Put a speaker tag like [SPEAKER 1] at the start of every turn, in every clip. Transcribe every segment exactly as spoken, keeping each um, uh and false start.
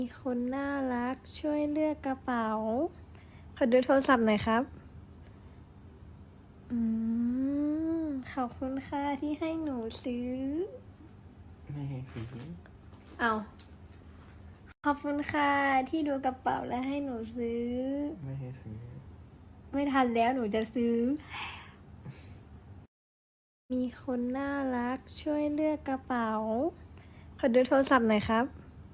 [SPEAKER 1] มีคนน่ารักช่วยเลือกกระเป๋า ขอดูโทรศัพท์หน่อยครับ อืม ขอบคุณค่ะที่ให้หนูซื้อ
[SPEAKER 2] ไม่ให้ซื้อ
[SPEAKER 1] เอาขอบคุณค่ะที่ดูกระเป๋าและให้หนูซื้อ
[SPEAKER 2] ไม่ให้ซื้อ
[SPEAKER 1] ไม่ทันแล้วหนูจะซื้อ มีคนน่ารักช่วยเลือกกระเป๋า ขอดูโทรศัพท์หน่อยครับ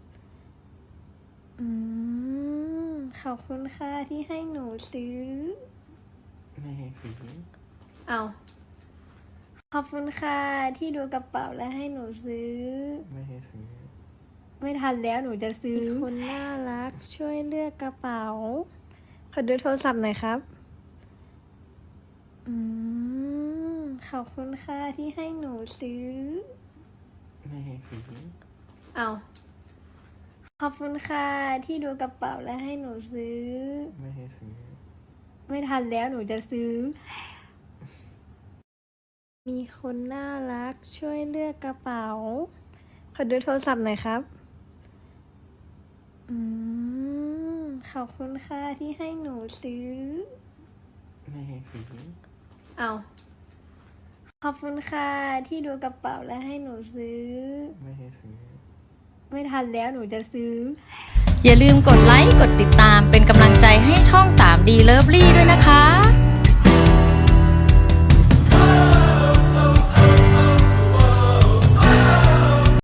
[SPEAKER 1] อืม ขอบคุณค่ะที่ให้หนูซื้อ
[SPEAKER 2] ไม่ให้ซื้อ
[SPEAKER 1] เอาขอบคุณค่ะที่ดูกระเป๋าและให้หนูซื้อ
[SPEAKER 2] ไม่ให้ซื้อ
[SPEAKER 1] ไม่ทันแล้วหนูจะซื้อ มีคนน่ารักช่วยเลือกกระเป๋า ขอดูโทรศัพท์หน่อยครับ อืม ขอบคุณค่ะที่ให้หนูซื้อ
[SPEAKER 2] ไม่ให้ซื้อ
[SPEAKER 1] เอาขอบคุณค่ะที่ดูกระเป๋าและให้หนูซื้อ
[SPEAKER 2] ไม่ให้ซื้อ
[SPEAKER 1] ไม่ทันแล้วหนูจะซื้อ มีคนน่ารักช่วยเลือกกระเป๋า ขอดูโทรศัพท์หน่อยครับ อืม ขอบคุณค่ะที่ให้หนูซื้อ
[SPEAKER 2] ไม่ให้ซื้อ
[SPEAKER 1] เอาขอบคุณค่ะที่ดูกระเป๋าและให้หนูซื้อ
[SPEAKER 2] ไม่ให้ซื้อ
[SPEAKER 1] ไม่ทันแล้วหนูจะซื้อ
[SPEAKER 3] อย่าลืมกดไลค์ กดติดตามเป็นกำลังใจให้ช่อง ทรีดี Lovely ด้วยนะคะ